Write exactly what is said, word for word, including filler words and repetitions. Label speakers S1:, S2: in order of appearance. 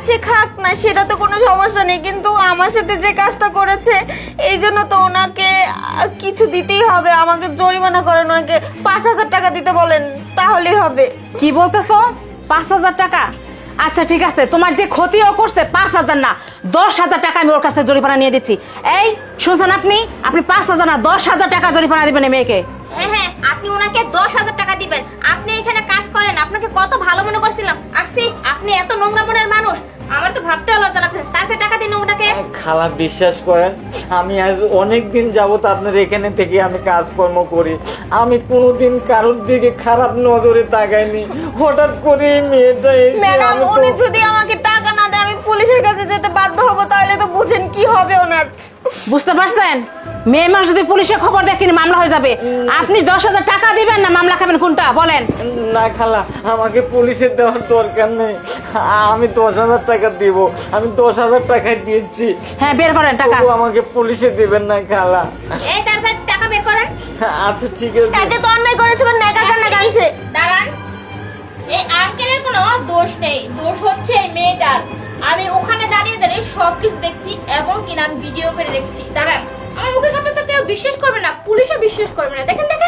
S1: সে খাক না, সেটা তো কোনো সমস্যা নেই, কিন্তু আমার সাথে যে কাজটা করেছে এই জন্য তো ওনাকে আহ, কিছু দিতেই হবে। আমাকে জরিমানা করেন, ওনাকে পাঁচ হাজার টাকা দিতে বলেন, তাহলেই হবে।
S2: কি বলতেছো? পাঁচ হাজার টাকা? আচ্ছা ঠিক আছে, তোমার যে ক্ষতি ও করছে পাঁচ হাজার না দশ হাজার টাকা আমি ওর কাছে জরিমানা নিয়ে দিচ্ছি। এই শুনছেন আপনি? আপনি পাঁচ হাজার না দশ হাজার টাকা জরিমানা দিবেন এই মেয়েকে।
S3: হ্যাঁ হ্যাঁ, আপনি ওনাকে দশ হাজার টাকা দিবেন। আপনি এখানে কাজ করেন, আপনাকে কত ভালো মনে করছিলাম। আসছি, আপনি এত নোংরা মনের মানুষ, আমার তো ভাবতে লজ্জা লাগছে। তাতে টাকা দিন ওনাকে।
S4: খালা বিশ্বাস করেন, আমি আজ অনেক দিন যাবত আপনার এখানে থেকে আমি কাজকর্ম করি, আমি কোনোদিন কারোর দিকে খারাপ নজরে তাকাইনি। হঠাৎ করে এই মেয়েটা এসে
S1: ম্যাডাম,
S4: আমি তো-
S1: উনি যদি আমাকে টাকা না দেয় আমি পুলিশের কাছে যেতে বাধ্য হব, তাহলে তো বুঝেন কি হবে ওনার।
S2: বুঝতে পারছেন? মেয়ে মানুষ যদি পুলিশে খবর দেয় কিনা মামলা হয়ে যাবে। আপনি দশ হাজার টাকা দিবেন না মামলা খাবেন, কোনটা বলেন?
S4: না খালা, আমাকে পুলিশের দেওয়ার দরকার নেই, আমি দশ হাজার টাকা দিব, আমি দশ হাজার টাকায় দিয়েছি।
S2: হ্যাঁ বের করেন টাকা।
S4: তবু আমাকে পুলিশে দিবেন না খালা।
S3: এই তাড়াতাড়ি টাকা বের করেন।
S4: আচ্ছা ঠিক আছে।
S1: তাকে তো অন্যায় করেছে, বা নেকা কান্না কানছে।
S3: দাঁড়ান, এই আঙ্কেলের কোনো দোষ নেই, দোষ হচ্ছে এই মেয়েটার। আমি ওখানে দাঁড়িয়ে দাঁড়িয়ে সবকিছু দেখছি এবং কিনা আমি ভিডিও করে রেখেছি। দাঁড়ান, আমার মুখের কথা তো কেউ বিশ্বাস করবে না, পুলিশও বিশ্বাস করবে না। দেখেন দেখেন